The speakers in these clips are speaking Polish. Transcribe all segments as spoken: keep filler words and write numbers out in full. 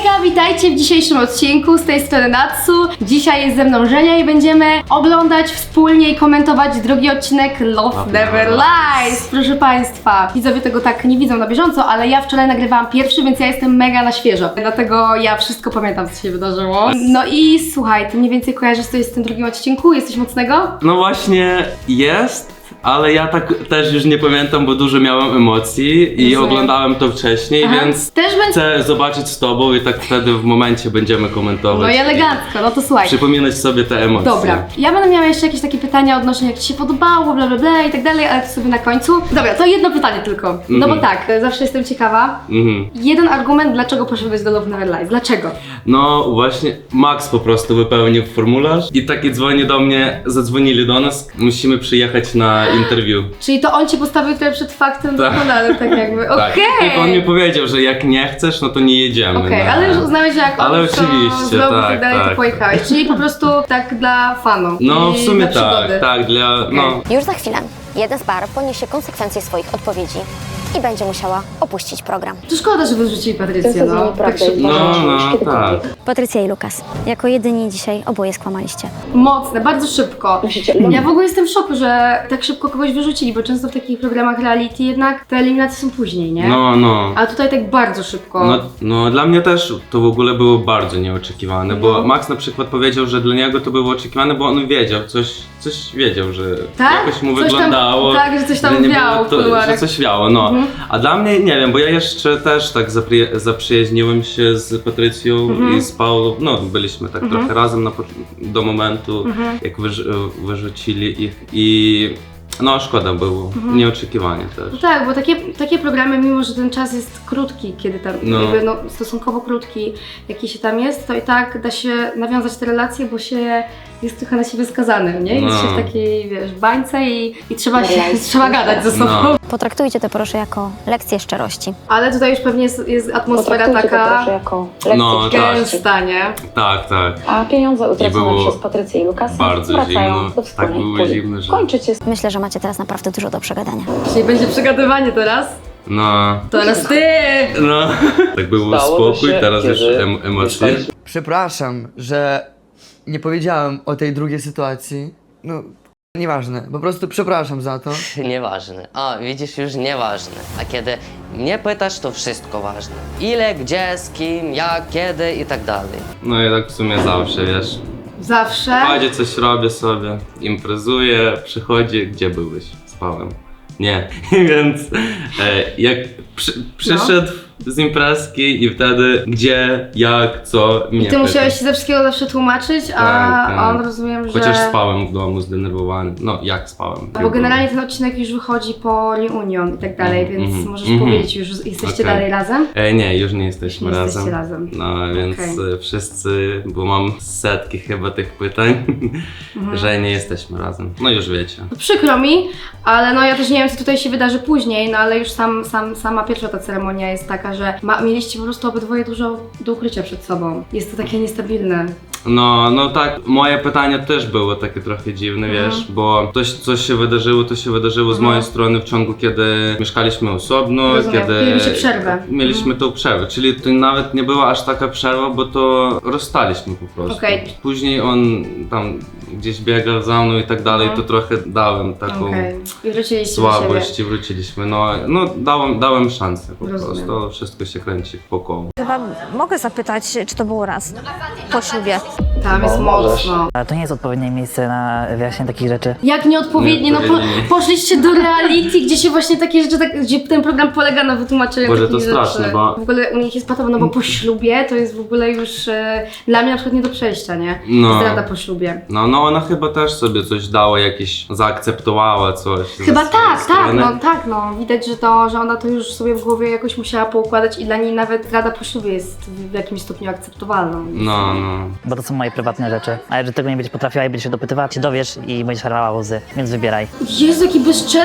Hejka, witajcie w dzisiejszym odcinku, z tej strony Natsu. Dzisiaj jest ze mną Żenia i będziemy oglądać wspólnie i komentować drugi odcinek Love Never Lies. Proszę Państwa, widzowie tego tak nie widzą na bieżąco, ale ja wczoraj nagrywałam pierwszy, więc ja jestem mega na świeżo. Dlatego ja wszystko pamiętam, co się wydarzyło. No i słuchaj, ty mniej więcej kojarzysz, co jest w tym drugim odcinku? Jesteś mocnego? No właśnie jest, ale ja tak też już nie pamiętam, bo dużo miałem emocji i Rozumiem. oglądałem to wcześniej, Aha. więc Też będzie... chcę zobaczyć z tobą i tak wtedy w momencie będziemy komentować. No i elegancko, no to słuchaj. Przypominać sobie te emocje. Dobra, ja będę miała jeszcze jakieś takie pytania odnośnie jak Ci się podobało, bla bla bla i tak dalej, ale to sobie na końcu. Dobra, to jedno pytanie tylko, no bo Mhm. tak, zawsze jestem ciekawa. Mhm. Jeden argument, dlaczego poszedłeś do Love Never Lies, dlaczego? No właśnie, Max po prostu wypełnił formularz i taki dzwoni do mnie, zadzwonili do nas, musimy przyjechać na interview. Czyli to on Cię postawił tutaj przed faktem Tak. dokonanym, tak jakby, okej. Tak. I on mi powiedział, że jak nie chcesz, no to nie jedziemy. Okej, na- ale już uznałeś, że jak Ale on to oczywiście, zrobił i tak, tak dalej, to tak. pojechałeś. Czyli po prostu tak dla fanów No i w sumie dla przygody. tak, tak, dla, no. Już za chwilę jeden z par poniesie konsekwencje swoich odpowiedzi i będzie musiała opuścić program. To szkoda, że wyrzucili Patrycję, no. Tak szybko. No, no, tak. Patrycja i Lukas, jako jedyni dzisiaj oboje skłamaliście. Mocne, bardzo szybko. Ja w ogóle jestem w szoku, że tak szybko kogoś wyrzucili, bo często w takich programach reality jednak te eliminacje są później, nie? No, no. A tutaj tak bardzo szybko. No, no dla mnie też to w ogóle było bardzo nieoczekiwane, No. bo Max na przykład powiedział, że dla niego to było oczekiwane, bo on wiedział, coś, coś wiedział, że Tak? jakoś mu Coś tam- wyglądało. tak, że coś tam nie wiało było w to, kuluarach. że coś wiało, no. Mhm. A dla mnie, nie wiem, bo ja jeszcze też tak zapri zaprzyjaźniłem się z Patrycją Mhm. i z Paulą, no byliśmy tak Mhm. trochę razem na, po- do momentu, Mhm. jak wyrz wyrzucili ich i no szkoda było, Mhm. nieoczekiwanie też. No tak, bo takie, takie programy, mimo że ten czas jest krótki, kiedy tam, No. jakby, no, stosunkowo krótki, jaki się tam jest, to i tak da się nawiązać te relacje, bo się jest trochę na siebie skazanym, nie? Jest No. się w takiej, wiesz, bańce i, i trzeba, się, trzeba gadać ze sobą. No. Potraktujcie to proszę jako lekcję szczerości. Ale tutaj już pewnie jest, jest atmosfera Potraktujcie to taka proszę jako lekcję No, tak. gęsta, nie? Tak, tak. A pieniądze I utracone było przez Patrycję i Lukasa bardzo wracają zimno. do Tak wspólnej było puli. zimno, że... Kończycie Myślę, że macie teraz naprawdę dużo do przegadania. Czyli będzie przegadywanie teraz? No, Teraz ty! no. Tak był Stało spokój, się, teraz już kiedy em emocje. dostaliście- Przepraszam, że nie powiedziałem o tej drugiej sytuacji. No, nieważne. Po prostu przepraszam za to. Nieważne. A, widzisz, już nieważne. A kiedy mnie pytasz, to wszystko ważne. Ile, gdzie, z kim, jak, kiedy i tak dalej. No i tak w sumie zawsze, wiesz. Zawsze. Chodzi, coś robię sobie, imprezuję, przychodzi, gdzie byłeś? Spałem. Nie, więc e, jak przy, przyszedł z imprezki i wtedy gdzie, jak, co, mnie I ty pyta. musiałeś się ze wszystkiego zawsze tłumaczyć, a Tak, tak. on rozumiem, że... Chociaż spałem w domu zdenerwowany. No, jak spałem? Bo generalnie ten odcinek już wychodzi po reunion i tak dalej, więc Mhm, możesz mhm. powiedzieć, już jesteście Okej. dalej razem? E, nie, już nie jesteśmy Nie razem. jesteście razem. No więc Okej. e, wszyscy, bo mam setki chyba tych pytań, Mhm. że nie jesteśmy razem. No już wiecie. To przykro mi, ale no ja też nie wiem, co tutaj się wydarzy później, no ale już sam, sam, sama pierwsza ta ceremonia jest taka, że ma, mieliście po prostu obydwoje dużo do ukrycia przed sobą. Jest to takie niestabilne. No, no tak, moje pytania też było takie trochę dziwne, Mhm. wiesz, bo coś, coś się wydarzyło, to się wydarzyło z Mhm. mojej strony w ciągu, kiedy mieszkaliśmy osobno, Rozumiem. kiedy... Mieliście przerwę. Mieliśmy tą przerwę, czyli to nawet nie była aż taka przerwa, bo to rozstaliśmy po prostu. Okej. Później on tam gdzieś biegał za mną i tak dalej, Mhm. to trochę dałem taką Okej. I wróciliście do siebie. słabość i wróciliśmy, no, no dałem, dałem szansę po Rozumiem. prostu, to wszystko się kręci po koło. Chyba mogę zapytać, czy to było raz po ślubie? Tam jest No, możesz. mocno. Ale to nie jest odpowiednie miejsce na wyjaśnienie takich rzeczy. Jak nieodpowiednie, no po, Nieodpowiednie. poszliście do reality, gdzie się właśnie takie rzeczy, tak, gdzie ten program polega na wytłumaczeniu Boże, takich to straszne, rzeczy. bo- W ogóle u nich jest patowo, no bo po ślubie to jest w ogóle już e, dla mnie na przykład nie do przejścia, nie? No. Zdrada po ślubie. No, no ona chyba też sobie coś dała, jakieś zaakceptowała coś. ze Chyba swojej tak, tak, strony. no tak, no. Widać, że to, że ona to już sobie w głowie jakoś musiała poukładać i dla niej nawet zdrada po ślubie jest w jakimś stopniu akceptowalną. No, no. Bo to są moje prywatne rzeczy. A jeżeli tego nie będziesz potrafiła i będziesz się dopytywała, się dowiesz i będziesz harała łzy. Więc wybieraj. Jezu, jaki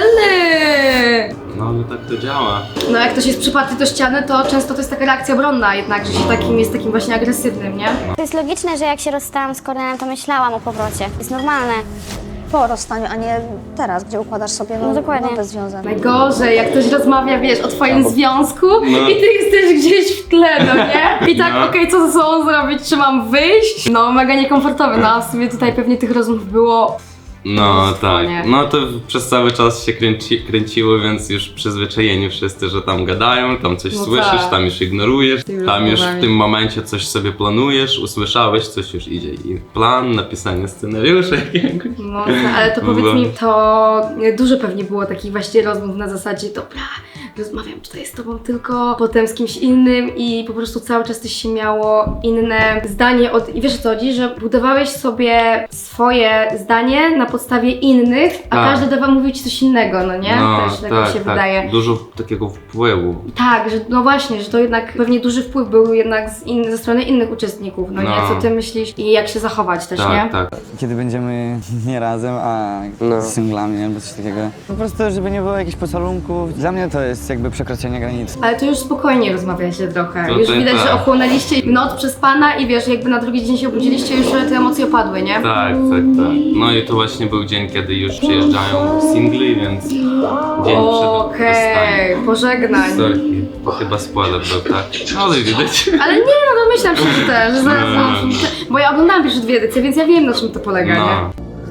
bezczelny! No, ale tak to działa. No jak ktoś jest przyparty do ściany, to często to jest taka reakcja obronna jednak, że się takim jest takim właśnie agresywnym, nie? To jest logiczne, że jak się rozstałam z Kornelem, to myślałam o powrocie. Jest normalne. po rozstaniu, a nie teraz, gdzie układasz sobie no, No dokładnie. nowy związek. Najgorzej, jak ktoś rozmawia, wiesz, o twoim związku No. i ty jesteś gdzieś w tle, no nie? I tak, No. okej, co ze sobą zrobić, czy mam wyjść? No, mega niekomfortowe, no a w sumie tutaj pewnie tych rozmów było. No tak, nie. no to przez cały czas się kręci, kręciło, więc już przyzwyczajeni wszyscy, że tam gadają, tam coś No słyszysz, tak. tam już ignorujesz, Tymi tam już w rozmowami. tym momencie coś sobie planujesz, usłyszałeś, coś już idzie i plan, napisanie scenariusza jakiegoś. No, ale to powiedz Było. mi, to dużo pewnie było takich właśnie rozmów na zasadzie, dobra, rozmawiam tutaj z tobą tylko, potem z kimś innym i po prostu cały czas też się miało inne zdanie od... I wiesz o co chodzi, że budowałeś sobie swoje zdanie na podstawie innych, a Tak. każdy dawał mówić ci coś innego, no nie? No Też tak, tak, mi się tak, wydaje. dużo takiego wpływu. Tak, że no właśnie, że to jednak pewnie duży wpływ był jednak z in, ze strony innych uczestników, no, nie? No. Co ty myślisz i jak się zachować też, nie? Tak, tak. Kiedy będziemy nie razem, a No. singlami albo coś takiego. Po prostu, żeby nie było jakichś pocałunków. Dla mnie to jest jakby przekroczenie granic. Ale to już spokojnie rozmawiacie trochę. To już tak, widać, tak. że ochłonęliście noc przez pana i wiesz, jakby na drugi dzień się obudziliście, już te emocje opadły, nie? Tak, tak, tak. No i to właśnie był dzień, kiedy już przyjeżdżają singli, więc dzień przed Okej, rozstaniem. pożegnań. Sorki, chyba spoiler był, tak? Ale widać. Ale nie, no domyślam się, że też, że zaraz, No, no, no, no. bo ja oglądałam pierwsze dwie edycje, więc ja wiem, na czym to polega, nie? No.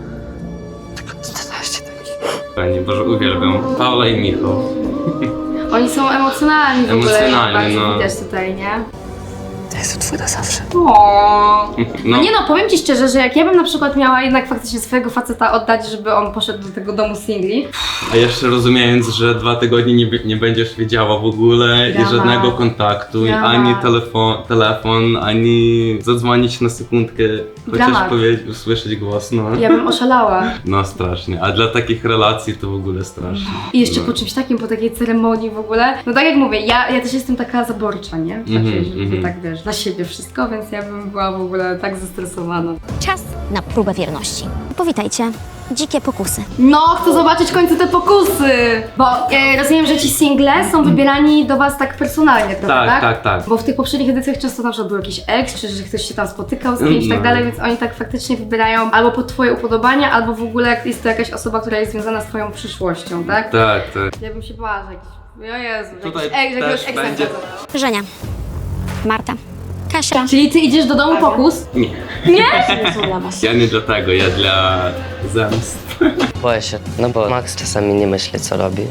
Pani Boże, uwielbiam. Paula i Michał. Oni są emocjonalni w ogóle, Emocjonalni, bardzo no. widać tutaj, nie? To jest twój na zawsze. O. No No, nie no, powiem ci szczerze, że jak ja bym na przykład miała jednak faktycznie swojego faceta oddać, żeby on poszedł do tego domu singli, a jeszcze rozumiejąc, że dwa tygodnie nie, nie będziesz wiedziała w ogóle Dramat. i żadnego kontaktu, i Dramat. ani telefon, telefon, ani zadzwonić na sekundkę, chociaż Dramat. powiedzieć, usłyszeć głos, no. ja bym oszalała. No strasznie, a dla takich relacji to w ogóle strasznie. I jeszcze no. po czymś takim, po takiej ceremonii w ogóle. No tak jak mówię, ja, ja też jestem taka zaborcza, nie? Znaczy, Mhm, że mhm. tak wiesz, dla siebie wszystko, więc ja bym była w ogóle tak zestresowana. Czas na próbę wierności. Powitajcie, dzikie pokusy. No, chcę zobaczyć w końcu te pokusy! Bo e, rozumiem, że ci single są wybierani do was tak personalnie, prawda? Tak, tak, tak. Bo w tych poprzednich edycjach często na przykład był jakiś ex, czy że ktoś się tam spotykał z kimś i tak No. dalej, więc oni tak faktycznie wybierają albo pod twoje upodobania, albo w ogóle jest to jakaś osoba, która jest związana z twoją przyszłością, tak? Tak, tak. Ja bym się bała, że jakiś... O Jezu, że Tutaj jakiś ex, że jakiegoś też exa będzie- wchodzą. Żenia, Marta, Kasia. Czyli ty idziesz do domu pokus? Nie. Nie? Ja nie dlatego, ja dla zemst. Boję się, no bo Max czasami nie myśli, co robi.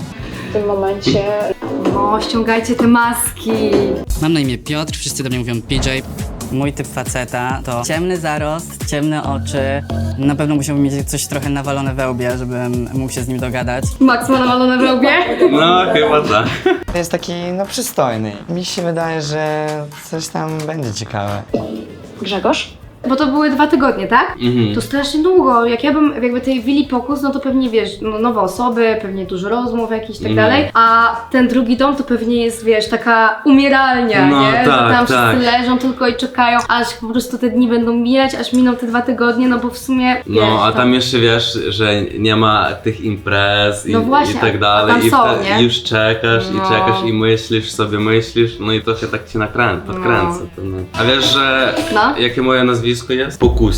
No, ściągajcie te maski. Mam na imię Piotr, wszyscy do mnie mówią P J. Mój typ faceta to ciemny zarost, ciemne oczy. Na pewno musiałbym mieć coś trochę nawalone we łbie, żebym mógł się z nim dogadać. Max ma nawalone w łbie? No, chyba tak. Jest taki, no przystojny. Mi się wydaje, że coś tam będzie ciekawe. Bo to były dwa tygodnie, tak? Mhm. To strasznie długo. Jak ja bym jakby tej willi pokus, no to pewnie wiesz, no, nowe osoby, pewnie dużo rozmów jakichś i tak Mhm. dalej. A ten drugi dom to pewnie jest, wiesz, taka umieralnia, No, nie? Że tak, tam tak. wszyscy leżą tylko i czekają, aż po prostu te dni będą mijać, aż miną te dwa tygodnie, no bo w sumie wiesz, No, a to- tam jeszcze wiesz, że nie ma tych imprez i, No właśnie, i tak a dalej. tam I są, wtedy nie? już czekasz No. i czekasz i myślisz sobie, myślisz, no i trochę tak cię nakręca, podkręca. To, no. A wiesz, że No. jakie moje nazwisko jest? Pokusin.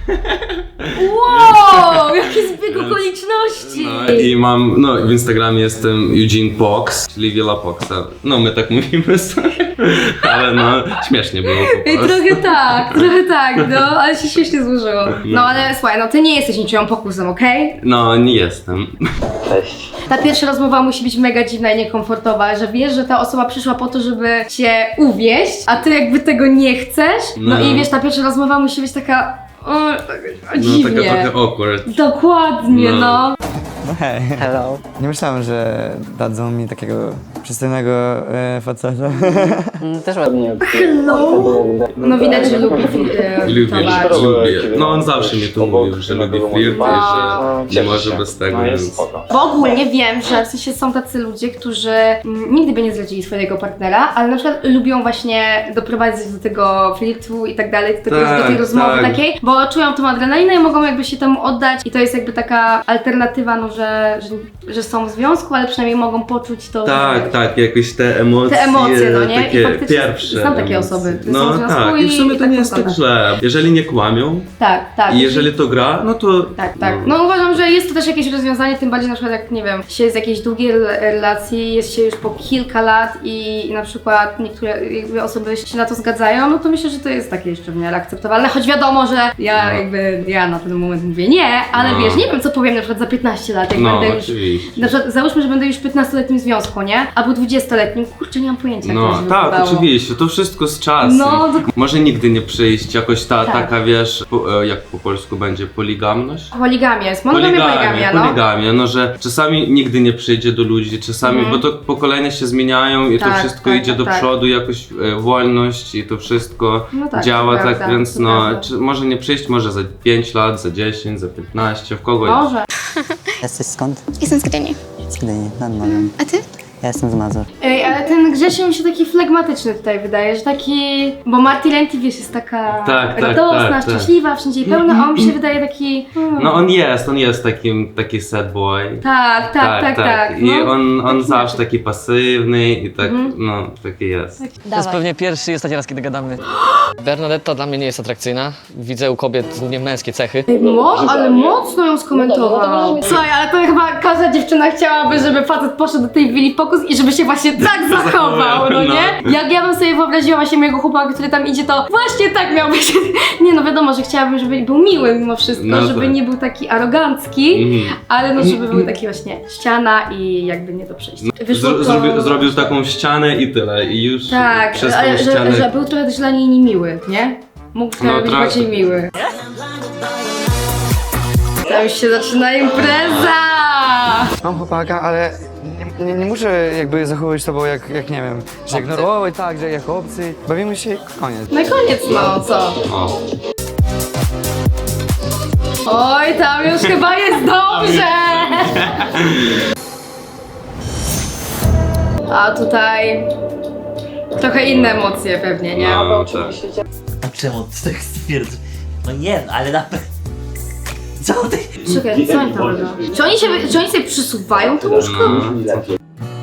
Wow, jaki zbieg okoliczności! No i mam, no w Instagramie jestem Eugene Pox, czyli Villa Poxa. No my tak mówimy sobie, ale no śmiesznie było po I prostu. trochę tak, trochę tak, no, ale się śmiesznie złożyło. No ale słuchaj, no ty nie jesteś niczyją pokusem, okej? No nie jestem. Ta pierwsza rozmowa musi być mega dziwna i niekomfortowa, że wiesz, że ta osoba przyszła po to, żeby cię uwieść, a ty jakby tego nie chcesz. No, No. i wiesz, ta pierwsza rozmowa musi być taka... O, taka No dziwnie. taka trochę awkward. Dokładnie, No. no. No hej. Hello. Nie myślałem, że dadzą mi takiego przystojnego e, faceta. Mm, Też ładnie. Hello. No widać, że lubi e, Lubię, towarzysz. lubię. No on zawsze mi to mówił, że lubi flirt i że nie może bez tego, więc... Bo ogólnie wiem, że w sensie są tacy ludzie, którzy mm, nigdy by nie zdradzili swojego partnera, ale na przykład lubią właśnie doprowadzić do tego flirtu i tak dalej, do, tego, Tak, do tej rozmowy tak. takiej, bo czują tą adrenalinę i mogą jakby się temu oddać i to jest jakby taka alternatywa, no że, że, że są w związku, ale przynajmniej mogą poczuć to, Tak, że, tak, jakoś te emocje, Te emocje, no nie? I takie faktycznie pierwsze znam takie emocje. osoby, które No są w związku tak, i w i sumie to tak nie jest tak wygląda. źle. Jeżeli nie kłamią Tak, tak. i jeżeli to gra, no to... Tak, tak. No uważam, że jest to też jakieś rozwiązanie, tym bardziej na przykład jak, nie wiem, się jest w jakiejś długiej rel- relacji, jest się już po kilka lat i na przykład niektóre jakby osoby się na to zgadzają, no to myślę, że to jest takie jeszcze w miarę akceptowalne, choć wiadomo, że ja No. jakby, ja na ten moment mówię nie, ale No. wiesz, nie wiem co powiem na przykład za piętnaście lat, jak No, będę już, oczywiście. na przykład załóżmy, że będę już w piętnastoletnim związku, nie? Albo dwudziestoletnim, kurczę, nie mam pojęcia, jak to No się tak, wyglądało. oczywiście, to wszystko z czasem. No, dok- Może nigdy nie przyjść jakoś ta, Tak. taka, wiesz, po, e, jak po polsku będzie, poligamność? Poligamia jest, monogamia, poligamia, no. poligamia, no że czasami nigdy nie przyjdzie do ludzi, czasami, Mhm. bo to pokolenia się zmieniają i Tak, to wszystko tak, idzie tak, do tak. przodu, jakoś e, wolność i to wszystko No tak, działa to tak, prawda, więc to no, prawda. czy, może nie przyjść, może za pięć lat, za dziesięć, za piętnaście, w kogo Może. Jesteś skąd? Jestem z Gdyni. Z Gdyni, nad morzem. A ty? Ja jestem z Mazur. Ej, ale ten Grzesiu mi się taki flegmatyczny tutaj wydaje, że taki... Bo Marty Lenti, wiesz, jest taka Tak, tak, radosna, tak, tak. szczęśliwa, wszędzie jej pełna, a on mi się wydaje taki... Hmm. No on jest, on jest takim, taki sad boy. Tak, tak, tak, tak. I no. on, on Taki zawsze znaczy. taki pasywny i tak, Mhm. no, taki jest. To jest pewnie pierwszy i ostatni raz, kiedy gadamy. Bernadetta dla mnie nie jest atrakcyjna. Widzę u kobiet głównie męskie cechy. Ej, mo, ale mocno ją skomentował. Słuchaj, ale to chyba każda dziewczyna chciałaby, żeby facet poszedł do tej willi pokus i żeby się właśnie tak zachował, no nie? Jak ja bym sobie wyobraziła właśnie mojego chłopaka, który tam idzie, to właśnie tak miał być. Nie no, wiadomo, że chciałabym, żeby był miły mimo wszystko, No żeby tak. nie był taki arogancki, Mhm. ale no, żeby był taki właśnie ściana i jakby nie do przejścia. Wyszło Zro, to- zrobił, zrobił taką ścianę i tyle, i już Tak, przez tą ale że, ścianę... że był trochę też dla niej niemiły, nie? Mógł trochę No, być trochę. bardziej miły. Tam już się zaczyna impreza! Mam chłopaka, ale nie, nie, nie muszę jakby zachowywać sobą jak, jak nie wiem, że ignorować, tak, że jak obcy. Bawimy się i koniec. Na koniec, no co? O. Oj, tam już chyba jest dobrze! A tutaj trochę inne emocje pewnie, nie? No, tak. Czemu ty tak stwierdzasz? No nie, no, ale na pewno... Co ty? Czekaj, co oni tam robią? Czy oni, się, czy oni sobie przysuwają to łóżko? No,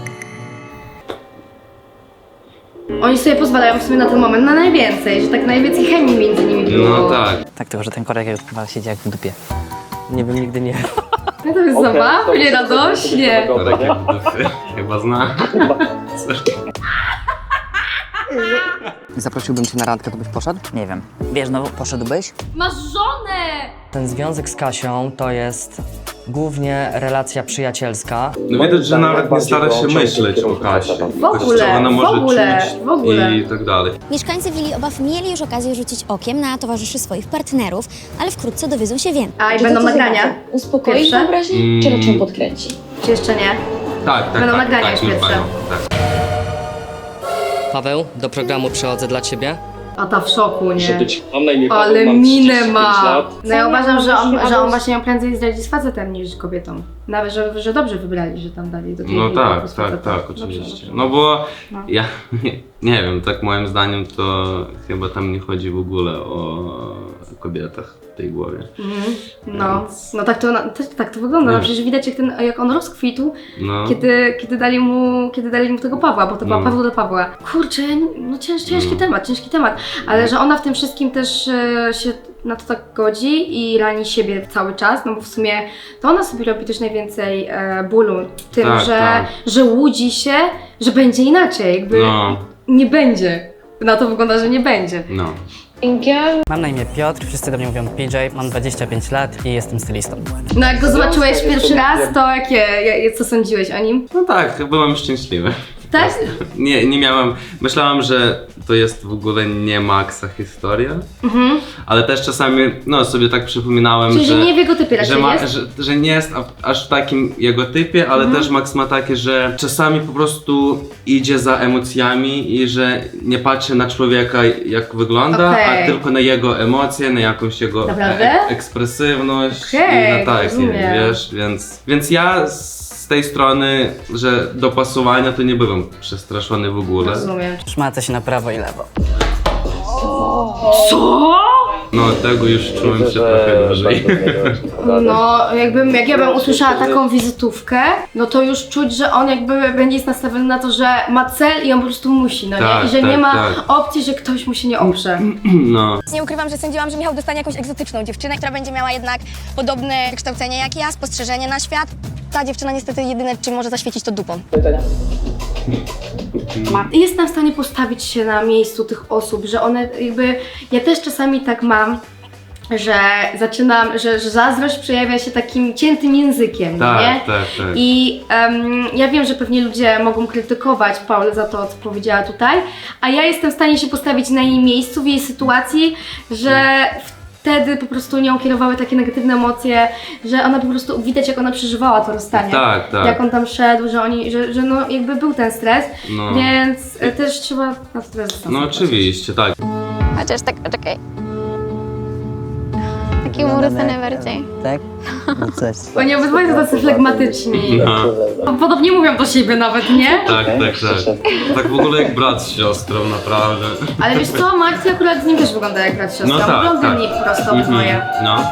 Oni sobie pozwalają w sumie na ten moment na najwięcej, że tak najwięcej chemii między nimi było. no tak. Tak, tylko że ten korek już chyba siedzi jak w dupie. Nie bym nigdy nie. No to jest zabawnie, radośnie. Takie dupy. Chyba zna. Zaprosiłbym cię na randkę, to byś poszedł? Nie wiem. Wiesz, no poszedłbyś? Masz żonę! Ten związek z Kasią to jest głównie relacja przyjacielska. No widać, że nawet nie stara się myśleć o Kasi. W ogóle, Co ona w może ogóle, czuć w ogóle. i tak dalej. Mieszkańcy Willi Obaw mieli już okazję rzucić okiem na towarzyszy swoich partnerów, ale wkrótce dowiedzą się więcej. A i będą nagrania? Uspokoi Pierwsze? wyobraźnię, Mm. czy raczej podkręci? Czy jeszcze nie? Tak, tak, Będą tak, nagrania tak, już już pierwsze. mają, tak. Paweł, do programu przychodzę dla ciebie. A ta w szoku, nie? Mam na imię Ale minę ma! No ja uważam, że on, że on właśnie ją prędzej zdradzi z facetem niż z kobietą. Nawet, że, że dobrze wybrali, że tam dali do tej No willi tak, pokus tak, faceta. tak, Dobrze, oczywiście. dobrze. No bo No. ja nie, nie wiem, tak moim zdaniem to chyba tam nie chodzi w ogóle o kobietach w tej głowie. Mhm. No, Więc- no tak to, na- tak, tak to wygląda. No Nie. przecież widać jak, ten, jak on rozkwitł, No. kiedy, kiedy, dali mu, kiedy dali mu tego Pawła, bo to była No. Paweł do Pawła. Kurczę, no cięż, ciężki No. temat, ciężki temat. Ale że ona w tym wszystkim też e, się na to tak godzi i rani siebie cały czas, no bo w sumie to ona sobie robi też najwięcej e, bólu tym, Tak, że, tak. że łudzi się, że będzie inaczej, jakby No. nie będzie. Na to wygląda, że nie będzie. No. Mam na imię Piotr, wszyscy do mnie mówią P J, mam dwadzieścia pięć lat i jestem stylistą. No jak go zobaczyłeś pierwszy raz, to jakie, ja- co sądziłeś o nim? No tak, byłem szczęśliwy. Tak? Nie, nie miałem, myślałem, że to jest w ogóle nie Maxa historia, Mhm. ale też czasami, no sobie tak przypominałem, Czyli, że że... nie w jego typie raczej że, ma, jest? że, że nie jest a- aż w takim jego typie, ale Mhm. też Max ma takie, że czasami po prostu idzie za emocjami i że nie patrzy na człowieka jak wygląda, Okej. a tylko na jego emocje, na jakąś jego Naprawdę? e- ekspresywność Okej, i na takie, rozumiem. wiesz, więc, więc ja z tej strony, że dopasowania to nie byłem przestraszony w ogóle. Rozumiem. Szmacę się na prawo i lewo. Co? No tego już czułem się trochę dłużej. No, jakbym, jak ja bym usłyszała taką wizytówkę, no to już czuć, że on jakby będzie jest nastawiony na to, że ma cel i on po prostu musi, no Tak, nie? I że tak, nie ma tak. opcji, że ktoś mu się nie oprze. No. Nie ukrywam, że sądziłam, że Michał dostanie jakąś egzotyczną dziewczynę, która będzie miała jednak podobne wykształcenie jak ja, spostrzeżenie na świat. Ta dziewczyna niestety jedyne, czym może zaświecić, to dupą. I jestem w stanie postawić się na miejscu tych osób, że one jakby, ja też czasami tak mam, że zaczynam, że, że zazdrość przejawia się takim ciętym językiem, Tak, nie? tak, tak. I em, ja wiem, że pewnie ludzie mogą krytykować Paulę za to, co powiedziała tutaj, a ja jestem w stanie się postawić na jej miejscu, w jej sytuacji, że wtedy po prostu nią kierowały takie negatywne emocje, że ona po prostu, widać jak ona przeżywała to rozstanie. Tak, tak. Jak on tam szedł, że oni, że, że no jakby był ten stres, No. więc e, też trzeba na to teraz No zastanowić. oczywiście, tak. Chociaż tak, czekaj. Taki umór najbardziej. Tak? No coś. Oni obydwoje są tacy flegmatyczni. No. Podobnie mówią do siebie nawet, nie? Tak, tak, tak. Tak w ogóle jak brat z siostrą, naprawdę. Ale wiesz co, Marty akurat z nim też wygląda jak brat siostra. No tak, Blondyni tak. po prostu obydwoje. No.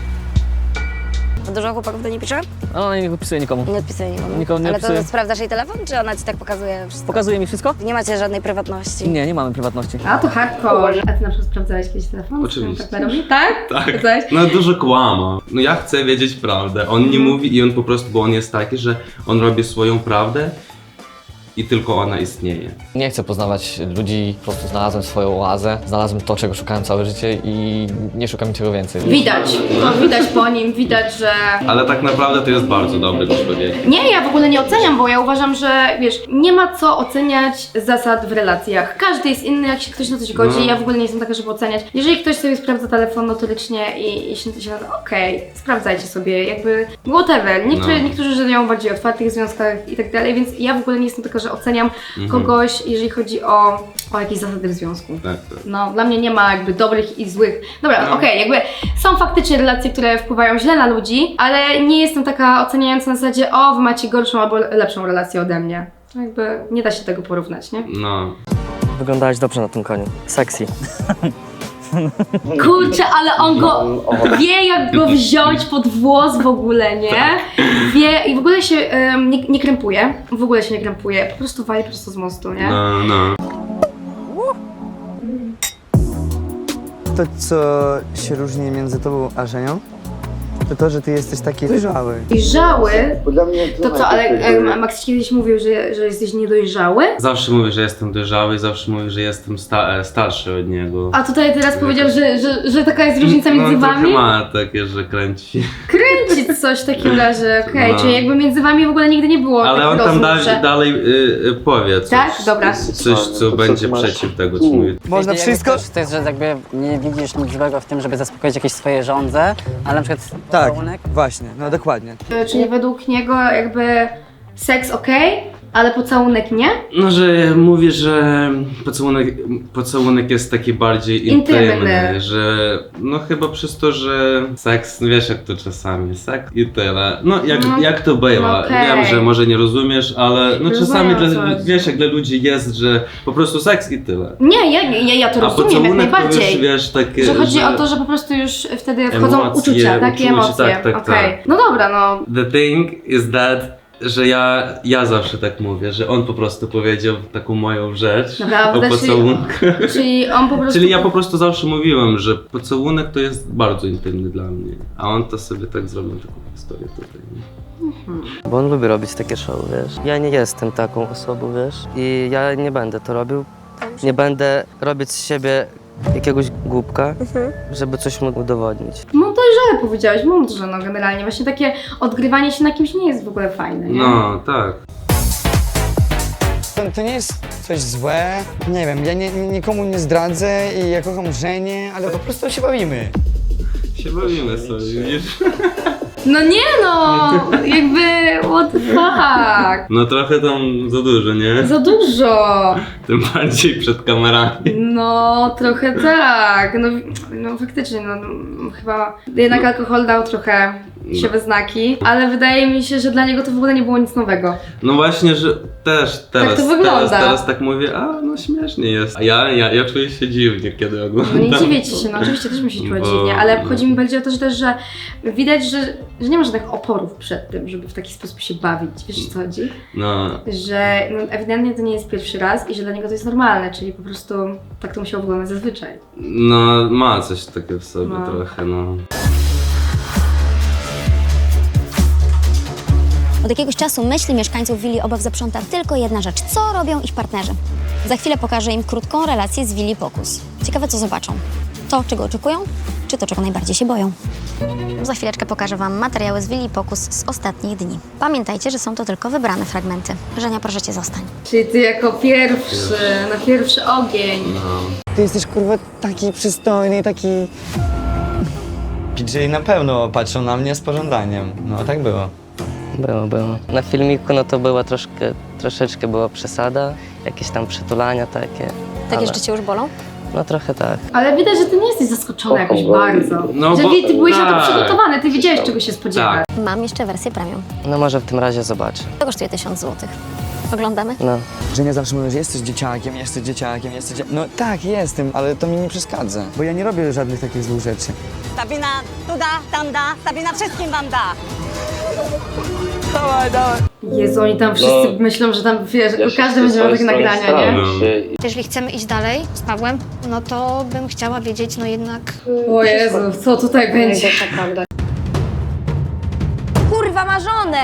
Dużo chłopaków do niej pisze? Ona nie odpisuje nikomu. Nie odpisuje nikomu. Nikomu nie Ale odpisuje. to sprawdzasz jej telefon, czy ona ci tak pokazuje wszystko? Pokazuje mi wszystko? Nie macie żadnej prywatności. Nie, nie mamy prywatności. A to hardcore. A ty na przykład sprawdzałeś kiedyś telefon? Oczywiście. Tak, robi? tak? Tak. Sprawdzałeś? No dużo kłama. No ja chcę wiedzieć prawdę. On nie mówi i on po prostu, bo on jest taki, że on robi swoją prawdę i tylko ona istnieje. Nie chcę poznawać ludzi, po prostu znalazłem swoją oazę, znalazłem to, czego szukałem całe życie i nie szukam niczego więcej. Widać. To widać po nim, widać, że... Ale tak naprawdę to jest bardzo dobry człowiek. Nie, ja w ogóle nie oceniam, bo ja uważam, że wiesz, nie ma co oceniać zasad w relacjach. Każdy jest inny, jak się ktoś na coś godzi. No. Ja w ogóle nie jestem taka, żeby oceniać. Jeżeli ktoś sobie sprawdza telefon notorycznie i, i się, się okej, sprawdzajcie sobie, jakby whatever. Niektórzy, No. niektórzy żyją w bardziej otwartych związkach i tak dalej, więc ja w ogóle nie jestem taka, że oceniam Mhm. kogoś, jeżeli chodzi o, o jakieś zasady w związku. Tak, tak. No, dla mnie nie ma jakby dobrych i złych. Dobra, No. okej, jakby są faktycznie relacje, które wpływają źle na ludzi, ale nie jestem taka oceniająca na zasadzie, o, wy macie gorszą albo lepszą relację ode mnie. Jakby nie da się tego porównać, nie? No. Wyglądałeś dobrze na tym koniu. Sexy. Kurczę, ale on go wie, jak go wziąć pod włos w ogóle, nie? Wie i w ogóle się em, nie, nie krępuje, w ogóle się nie krępuje, po prostu wali prosto z mostu, nie? No, no. To, co się różni między tobą a Żenią, to to, że ty jesteś taki dojrzały. Dojrzały? To co, ale em, Max kiedyś mówił, że, że jesteś niedojrzały? Zawsze mówi, że jestem dojrzały, zawsze mówi, że jestem sta starszy od niego. A tutaj teraz powiedział, że, że, że taka jest różnica no, między trochę wami? ma takie, że kręci. Kręcić coś w takim razie, okej, No. czyli jakby między wami w ogóle nigdy nie było Ale takich on tam rozmów, dalej, że... dalej y, y, powie coś. Tak? Dobra. Coś, co będzie przeciw tego, co mówi. Można Jeśli wszystko? jakby Coś, to jest, że jakby nie widzisz nic złego w tym, żeby zaspokoić jakieś swoje żądze, ale na przykład Tak, pocałunek. właśnie, no dokładnie. E, Czyli według niego jakby seks okej, ale pocałunek nie? No, że mówi, że pocałunek, pocałunek jest taki bardziej Intymny. intymny, że no chyba przez to, że seks, no wiesz jak to czasami, seks i tyle. No jak, No, jak to bywa, no okej. wiem, że może nie rozumiesz, ale no Rozumiem, czasami o dla, co chodzi. wiesz jak dla ludzi jest, że po prostu seks i tyle. Nie, ja, ja, ja to A rozumiem jak pocałunek to najbardziej. już wiesz takie, Że chodzi o to, że po prostu już wtedy wchodzą Emocje, uczucia, takie uczucie, emocje. tak, tak, Okej. tak. No dobra, no. The thing is that, że ja, ja zawsze tak mówię, że on po prostu powiedział taką moją rzecz Naprawdę? o Czyli- pocałunku. Czyli on po prostu... Czyli ja po prostu zawsze mówiłem, że pocałunek to jest bardzo intymny dla mnie, a on to sobie tak zrobił taką historię tutaj. nie? Bo on lubi robić takie show, wiesz. Ja nie jestem taką osobą, wiesz. I ja nie będę to robił. Nie będę robić z siebie jakiegoś głupka, żeby coś mu udowodnić. No dojrzale powiedziałeś, mądrze no generalnie. Właśnie takie odgrywanie się na kimś nie jest w ogóle fajne, nie? No, tak. To, to nie jest coś złe, nie wiem, ja nie, nikomu nie zdradzę i ja kocham Żenię, ale po prostu się bawimy. Się bawimy sobie, widzisz? No nie no, jakby what the fuck. No trochę tam za dużo, nie? Za dużo. Tym bardziej przed kamerami. No, trochę tak. No, no faktycznie, no, no chyba jednak alkohol dał trochę się we znaki, ale wydaje mi się, że dla niego to w ogóle nie było nic nowego. No właśnie, że też teraz, to wygląda. teraz, teraz tak mówię, a no śmiesznie jest. A ja, ja, ja czuję się dziwnie, kiedy No oglądam. nie dziwicie się, no oczywiście też mi się czuła Bo- dziwnie, ale chodzi mi bardziej o to, że też, że widać, że, że nie ma żadnych oporów przed tym, żeby w taki sposób się bawić, wiesz o co chodzi? No, Że no, ewidentnie to nie jest pierwszy raz i że dla niego to jest normalne, czyli po prostu tak to musiało wyglądać zazwyczaj. no ma coś takiego w sobie No. trochę, no. Od jakiegoś czasu myśli mieszkańców willi Obaw zaprząta tylko jedna rzecz. Co robią ich partnerzy? Za chwilę pokażę im krótką relację z willi Pokus. Ciekawe, co zobaczą. To, czego oczekują, czy to, czego najbardziej się boją. Za chwileczkę pokażę Wam materiały z willi Pokus z ostatnich dni. Pamiętajcie, że są to tylko wybrane fragmenty. Żenia, proszę Cię, zostań. Czyli ty jako pierwszy, na pierwszy ogień. Ty jesteś kurwa taki przystojny, taki... P J na pewno patrzą na mnie z pożądaniem. No tak było. Było, było. Na filmiku no to była troszkę, troszeczkę była przesada, jakieś tam przytulania takie. Takie ale- rzeczy Cię już bolą? No trochę tak. Ale widać, że ty nie jesteś zaskoczony jakoś bardzo. No że bo- ty byłeś na to tak. przygotowany, ty wiedziałeś czego się spodziewać. Mam jeszcze wersję premium. No może w tym razie zobaczę. To kosztuje tysiąc złotych. Oglądamy? No. Że nie zawsze mówią, że jesteś dzieciakiem, jesteś dzieciakiem, jesteś dzie... No tak, jestem, ale to mi nie przeszkadza. Bo ja nie robię żadnych takich złych rzeczy. Sabina tu da, tam da, Sabina wszystkim wam da. Jezu, oni tam wszyscy myślą, że tam, wiesz, każdy będzie miał takie nagrania, nie? Jeżeli chcemy iść dalej z Pawłem, no to bym chciała wiedzieć, no jednak... O Jezu, co tutaj będzie? Kurwa, ma żonę!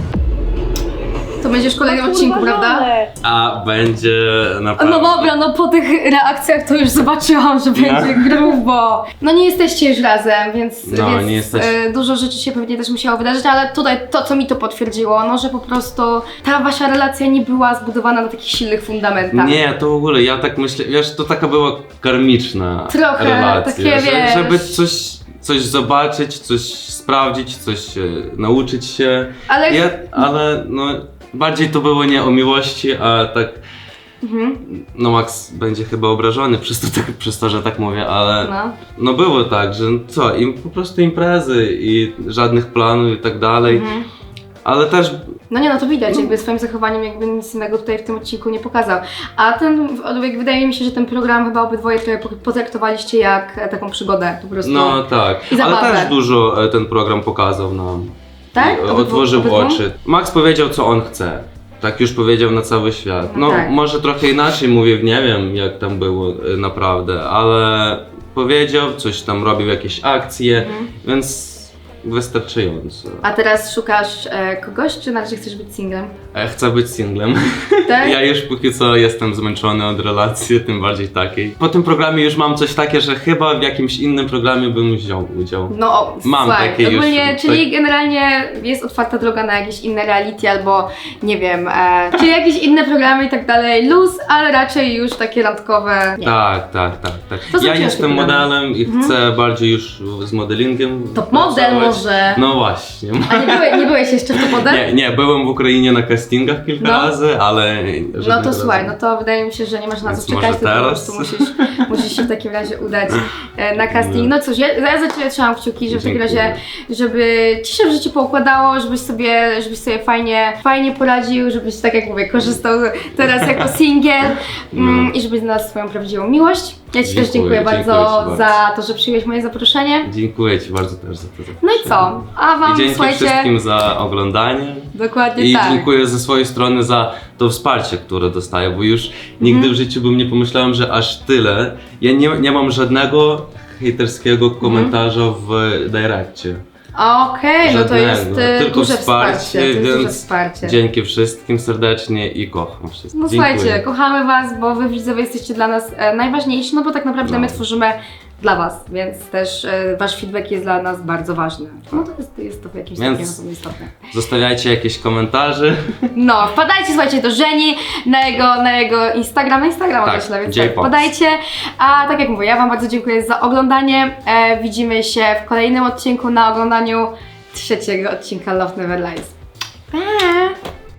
To będziesz w kolejnym odcinku, prawda? A będzie na pewno. No dobra, no po tych reakcjach to już zobaczyłam, że będzie grubo. No nie jesteście już razem, więc, No, więc nie jesteście. e, dużo rzeczy się pewnie też musiało wydarzyć, ale tutaj to, co mi to potwierdziło, no że po prostu ta wasza relacja nie była zbudowana na takich silnych fundamentach. Nie, to w ogóle, ja tak myślę, wiesz, to taka była karmiczna Trochę, relacja, takie, że, wiesz. żeby coś, coś zobaczyć, coś sprawdzić, coś e, nauczyć się. Ale- Ja, ale no, bardziej to było nie o miłości, a tak, Mhm. no Max będzie chyba obrażony przez to, tak, przez to, że tak mówię, ale No. no było tak, że co, im po prostu imprezy i żadnych planów i tak dalej, Mhm. ale też No nie, no to widać, jakby swoim zachowaniem jakby nic innego tutaj w tym odcinku nie pokazał. A ten, jak wydaje mi się, że ten program chyba obydwoje trochę po- potraktowaliście jak e, taką przygodę po prostu. no tak, I ale zabawę. też dużo e, ten program pokazał nam. Tak? I Obydwu- Otworzył obydwu? oczy. Max powiedział, co on chce. Tak już powiedział na cały świat. No No, tak. może trochę inaczej mówię, nie wiem jak tam było e, naprawdę, ale powiedział, coś tam robił, jakieś akcje, Mhm. więc wystarczająco. A teraz szukasz e, kogoś, czy na razie chcesz być singlem? E, Chcę być singlem. Tak? Ja już póki co jestem zmęczony od relacji, tym bardziej takiej. Po tym programie już mam coś takie, że chyba w jakimś innym programie bym wziął udział. No, o, Mam słuchaj, takie już, ogólnie, czyli tak- generalnie jest otwarta droga na jakieś inne reality albo nie wiem, e, czyli jakieś inne programy i tak dalej, luz, ale raczej już takie randkowe. Nie. Tak, tak, tak, tak. To są Ja ciężkie jestem programy. modelem i chcę bardziej już z modelingiem. Top model pracować. może. No właśnie. A nie, byłeś, nie byłeś jeszcze w Top Model? Nie, nie, byłem w Ukrainie na castingach kilka No. razy, ale No żadnego to słuchaj, razu. no to wydaje mi się, że nie masz na Więc co czekać, może tylko po teraz? prostu musisz, musisz się w takim razie udać e, na casting. No cóż, ja, ja za Ciebie trzymam kciuki, że w takim Dziękuję. razie, żeby Ci się w życiu poukładało, żebyś sobie, żebyś sobie fajnie, fajnie poradził, żebyś, tak jak mówię, korzystał teraz jako singiel mm, i żebyś znalazł swoją prawdziwą miłość. Ja Ci też Dziękuję, dziękuję bardzo dziękuję Ci za to, że przyjąłeś moje zaproszenie. Dziękuję Ci bardzo też za to. No i co? A Wam, I dzięki słuchajcie, wszystkim za oglądanie. dokładnie I tak. dziękuję ze swojej strony za to wsparcie, które dostaję, bo już nigdy Mhm. w życiu bym nie pomyślałem, że aż tyle. Ja nie, nie mam żadnego hejterskiego komentarza w direkcie. Okej, no to jest Żadnego, e, tylko duże wsparcie, wsparcie, to jest duże więc wsparcie. Dzięki wszystkim serdecznie i kocham wszystkich. No Dziękuję. słuchajcie, kochamy Was, bo Wy widzowie jesteście dla nas e, najważniejsi, no bo tak naprawdę No. my tworzymy dla Was, więc też e, Wasz feedback jest dla nas bardzo ważny. No to jest, jest to w jakimś Więc- stopniu na pewno istotne. Zostawiajcie jakieś komentarze. No, wpadajcie, słuchajcie, do Żeni na jego, na jego Instagram, na Instagrama Tak, myślę, więc J tak, Fox. wpadajcie. A tak jak mówię, ja Wam bardzo dziękuję za oglądanie. E, widzimy się w kolejnym odcinku na oglądaniu trzeciego odcinka Love Never Lies. Pa!